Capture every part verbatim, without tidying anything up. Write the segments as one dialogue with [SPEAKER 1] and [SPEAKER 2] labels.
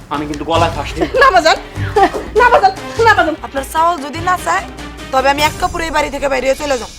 [SPEAKER 1] আমি কিন্তু গলায় ফাঁস দিব।
[SPEAKER 2] না বাজান, না বাজান, না বাজান।
[SPEAKER 3] আপনার চাওয়াল যদি না চায় তবে আমি এক কাপড়ে এই বাড়ি থেকে বাইরে চলে যাব।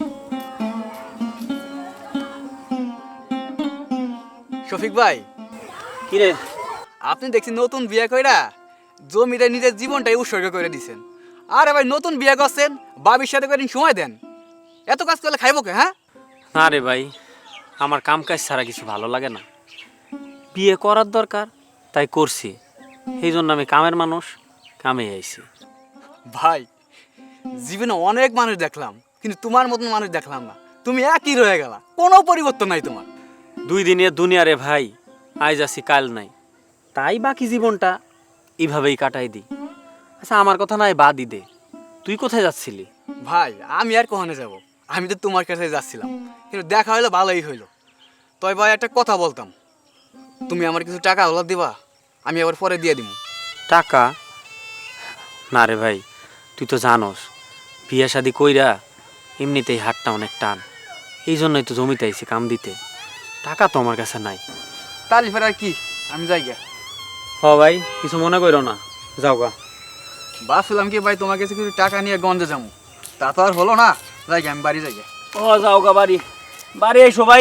[SPEAKER 4] শফিক ভাই,
[SPEAKER 1] কি রে?
[SPEAKER 4] আপনি দেখছি নতুন বিয়ে কইরা জমিটা নিজের জীবনটাই উৎসর্গ করে দিছেন। আরে ভাই, নতুন বিয়ে করছেন, বাবির সাথে কদিন সময় দেন। এত কাজ করলে খাইব কে? হ্যাঁ
[SPEAKER 1] না রে ভাই, আমার কাম কাজ ছাড়া কিছু ভালো লাগে না। বিয়ে করার দরকার তাই করছি, এই জন্য আমি কামের মানুষ, কামে আইছি।
[SPEAKER 4] ভাই, জীবনে অনেক মানুষ দেখলাম, কিন্তু তোমার মতন মানুষ দেখলাম না। তুমি একই রয়ে গেলা, কোনো পরিবর্তন নাই তোমার।
[SPEAKER 1] দুই দিনের দুনিয়া রে ভাই, আজ আছি কাল নাই, তাই বাকি জীবনটা এইভাবেই কাটাই দিই। আচ্ছা আমার কথা নাই বাদই দে, তুই কোথায় যাচ্ছিলি?
[SPEAKER 4] ভাই, আমি আর কখনো যাব? আমি তো তোমার কাছে যাচ্ছিলাম, কিন্তু দেখা হইলো ভালোই হইলো। তবে ভাই একটা কথা বলতাম, তুমি আমার কিছু টাকা হলো দিবা, আমি আবার পরে দিয়ে দিব।
[SPEAKER 1] টাকা? না রে ভাই, তুই তো জানোস বিয়ে শাদি কইরা এমনিতেই হাতটা অনেক টান, এই জন্যই তো জমিতে আইছি কাম দিতে। টাকা তো আমার কাছে নাই।
[SPEAKER 4] তাহলে ফের আর কি, আমি যাই গে।
[SPEAKER 1] হ ভাই, কিছু মনে করো না, যাও গা।
[SPEAKER 4] ভাবছিলাম কি ভাই, তোমার কাছে কিছু টাকা নিয়ে গঞ্জে যাবো, তা তো আর হলো না। যাই গে, আমি বাড়ি যাই গে।
[SPEAKER 1] ও যাও গা বাড়ি, বাড়ি আইসো ভাই।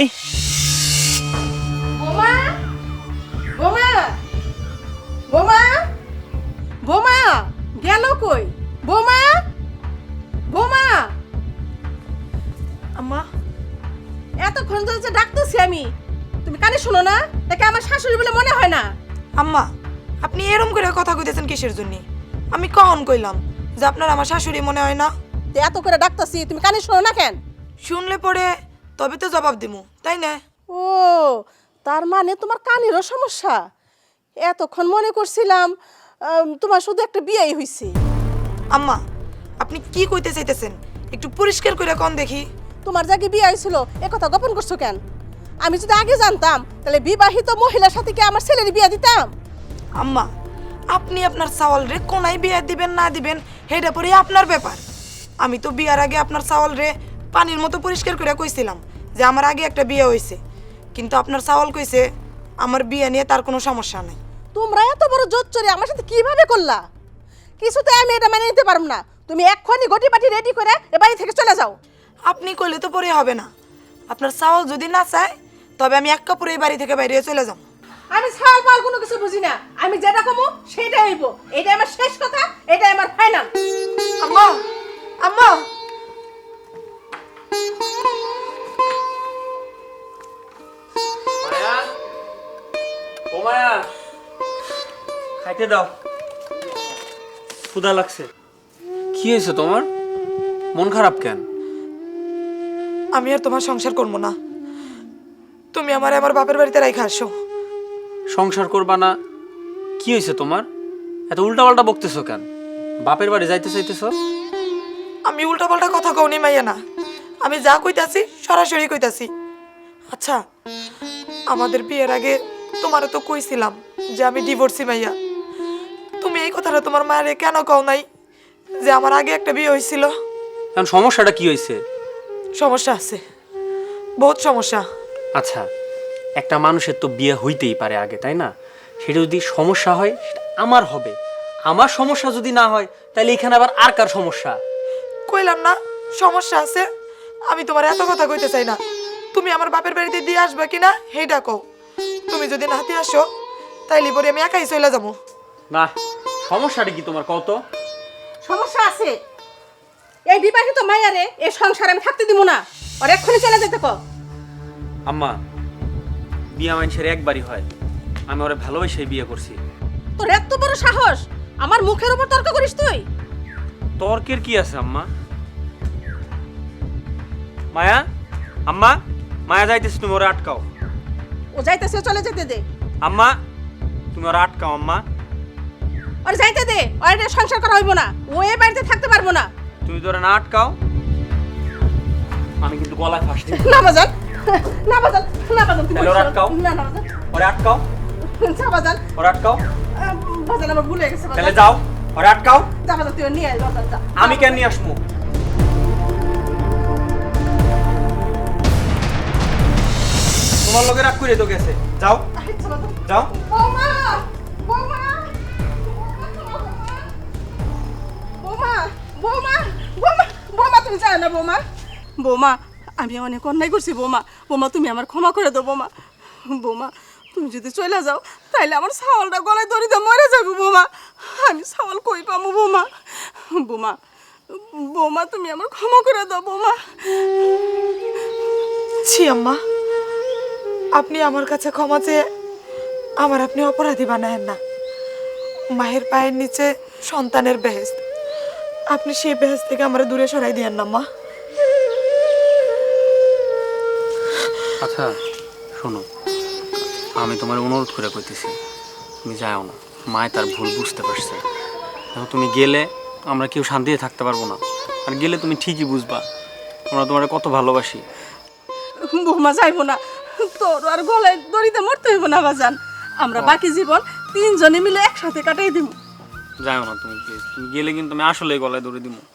[SPEAKER 2] বোমা, বোমা, বোমা, বোমা, গেল কই? বোমা, বোমা।
[SPEAKER 3] আম্মা,
[SPEAKER 2] এতক্ষণ ধরে যে ডাকতেছি আমি, তুমি কানে শোনো না? তাকে আমার শাশুড়ি বলে মনে হয় না?
[SPEAKER 3] আম্মা, আপনি এরম করে কথা কইতেছেন কিসের জন্য? আমি কখন কইলাম যে আপনার আমার শাশুড়ি মনে হয় না?
[SPEAKER 2] তো এত করে ডাকতেছি, তুমি কানে শোনো না কেন?
[SPEAKER 3] শুনলে পরে তবে তো জবাব দিমু, তাই না?
[SPEAKER 2] ও, তার মানে তোমার কানেরও সমস্যা। এতক্ষণ মনে করছিলাম আম, তোমার শুধু একটা বিয়েই হইছে।
[SPEAKER 3] আম্মা, আপনি কি কইতে চাইতেছেন একটু পরিষ্কার করে কোন দেখি।
[SPEAKER 2] তোমার জায়গায় বিয়ে হয়েছিল, এ কথা গোপন করছো কেন? আমি যদি আগে জানতাম তাহলে বিবাহিত মহিলার সাথে কি আমার ছেলের বিয়ে দিতাম?
[SPEAKER 3] আম্মা, আপনি আপনার চাওয়াল রে কোনায় বিয়ে দিবেন না দিবেন হেটা পরে আপনার ব্যাপার। আমি তো বিয়ার আগে আপনার চাওয়াল রে পানির মতো পরিষ্কার করে কইছিলাম যে আমার আগে একটা বিয়ে হয়েছে, কিন্তু আপনার চাওয়াল কইছে আমার বিয়ে নিয়ে তার কোনো সমস্যা নাই।
[SPEAKER 2] তোমরা এত বড় জোর চড়ে আমার সাথে কিভাবে করলা? কিছুতে আমি এটা মেনে নিতে পারব না। তুমি এক্ষুনি গটি পাটি রেডি করে এ বাড়ি থেকে চলে যাও।
[SPEAKER 3] আপনি কইলে তো পরে হবে না। আপনার চাওয়াল যদি না চায় তবে আমি এক কাপড়ে এই বাড়ি থেকে বাইরে চলে যাব।
[SPEAKER 2] আমি ছাল পাল কোনো কিছু বুঝি না। আমি যেটা কমু সেটাই হইব। এটা আমার শেষ কথা, এটা আমার ফাইনাল।
[SPEAKER 3] আম্মা, আম্মা,
[SPEAKER 1] মায়া, ও মায়া, খাইতে দাও, ক্ষুধা লাগছে। কি হয়েছে তোমার? মন খারাপ কেন?
[SPEAKER 3] আমি আর তোমার সংসার করবো না। তুমি আমার আমার বাপের বাড়িতে রাইখা আসো।
[SPEAKER 1] সংসার করবা না? কি হয়েছে তোমার? এত উল্টাপাল্টা বকতেছো কেন? বাপের বাড়ি যাইতে চাইতেছো?
[SPEAKER 3] আমি উল্টাপাল্টা কথা কওনি মাইয়া না, আমি যা কইতাছি সরাসরি কইতাছি। আচ্ছা, আমাদের বিয়ের আগে তোমারও তো কইছিলাম যে আমি ডিভোর্সি মাইয়া। তুমি এই কথাটা তোমার মায়ের কেন কও নাই যে আমার আগে একটা বিয়ে হয়েছিল?
[SPEAKER 1] এখন সমস্যাটা কি হয়েছে?
[SPEAKER 3] সমস্যা আছে, বহুত সমস্যা।
[SPEAKER 1] আচ্ছা, একটা মানুষের তো বিয়ে হইতেই পারে আগে, তাই না? সেটা যদি সমস্যা হয় সেটা আমার হবে। আমার সমস্যা যদি না হয় তাহলে এখানে আবার আর কার সমস্যা?
[SPEAKER 3] কইলাম না সমস্যা আছে। আমি তোমার এত কথা কইতে চাই না। তুমি আমার বাপের বাড়িতে দিয়ে আসবে কিনা হেইটা কও। তুমি যদি নাতে আসো তাইলে পরে আমি একাই চলে যাবো।
[SPEAKER 1] না, সমস্যাটা কি তোমার কত?
[SPEAKER 2] সমস্যা আছে। এই বিবাহিত মাইয়ারে এই সংসারে আমি থাকতে দিব না। আর এক্ষুনি চলে যেতে কও।
[SPEAKER 1] আম্মা, বিয়ে মানুষের একবারই হয়, আমি ওরে ভালোবেসে বিয়ে করছি।
[SPEAKER 2] তোর এত বড় সাহস আমার মুখের উপর তর্ক করিস তুই?
[SPEAKER 1] তর্কের কি আছে আম্মা? মায়া, আম্মা, মায়া যাইতেছে, তুমি ওরে আটকাও।
[SPEAKER 2] ও যাইতেছে, চলে যেতে দে।
[SPEAKER 1] আম্মা, তুমি ওরে আটকাও। আম্মা,
[SPEAKER 2] আর যাইতে দে, আর এটা সংসার করা হইব না। ও এই বাড়িতে থাকতে পারবো না।
[SPEAKER 1] তুমি ধরে না আটকাও, আমি কিন্তু গলায় ফাঁস দিব।
[SPEAKER 2] না বাজান, না বাজান, না বাজান, তুমি
[SPEAKER 1] তাহলে ওরে আটকাও।
[SPEAKER 2] না না বাজান,
[SPEAKER 1] ওরে আটকাও,
[SPEAKER 2] যা বাজান,
[SPEAKER 1] ওরে আটকাও।
[SPEAKER 2] আহ, বাজান আমার ভুলে গেছে বাজান।
[SPEAKER 1] তাহলে যাও, ওরে আটকাও।
[SPEAKER 2] যা বাজান, তুই নিয়ে আয় বাজান, যা।
[SPEAKER 1] আমি কেন নিয়ে আসবো? তোমার লগে রাগ করে তো গেছে। যাও,
[SPEAKER 2] আচ্ছা বাজান।
[SPEAKER 1] যাও।
[SPEAKER 2] বৌমা, বৌমা। যায় না বৌমা। বৌমা আমি অনেক অন্যায় করছি বৌমা। বৌমা তুমি আমার ক্ষমা করে দাও বৌমা। বৌমা তুমি যদি চলে যাও তাইলে আমার ছাওয়ালটা গলায় দড়িতে মরে যাবো বৌমা। আমি ছাওয়াল কই পাবো বৌমা। বৌমা বৌমা তুমি আমার ক্ষমা করে দাও বৌমা।
[SPEAKER 3] ছি আম্মা, আপনি আমার কাছে ক্ষমা চেয়ে আমার আপনি অপরাধী বানায়েন না। মায়ের পায়ের নিচে সন্তানের বেহেস্ত, আপনি সেই বেহেস্ত থেকে আমার দূরে সরাই দিয়েন না মা।
[SPEAKER 1] আচ্ছা শোনো, আমি তোমার অনুরোধ করে কইতেছি তুমি যাও না। মায় তার ভুল বুঝতে পারছে। এখন তুমি গেলে আমরা কেউ শান্তিতে থাকতে পারবো না। আর গেলে তুমি ঠিকই বুঝবা আমরা তোমার কত ভালোবাসি।
[SPEAKER 2] বৌমা যাইবো না, তোর আর গলায় দড়িতে মরতে হইব না বাজান। আমরা বাকি জীবন তিনজনে মিলে একসাথে কাটাই দিব।
[SPEAKER 1] যাও না তুমি প্লিজ। তুমি গেলে কিন্তু আমি আসলে গলায় দড়ি দিব।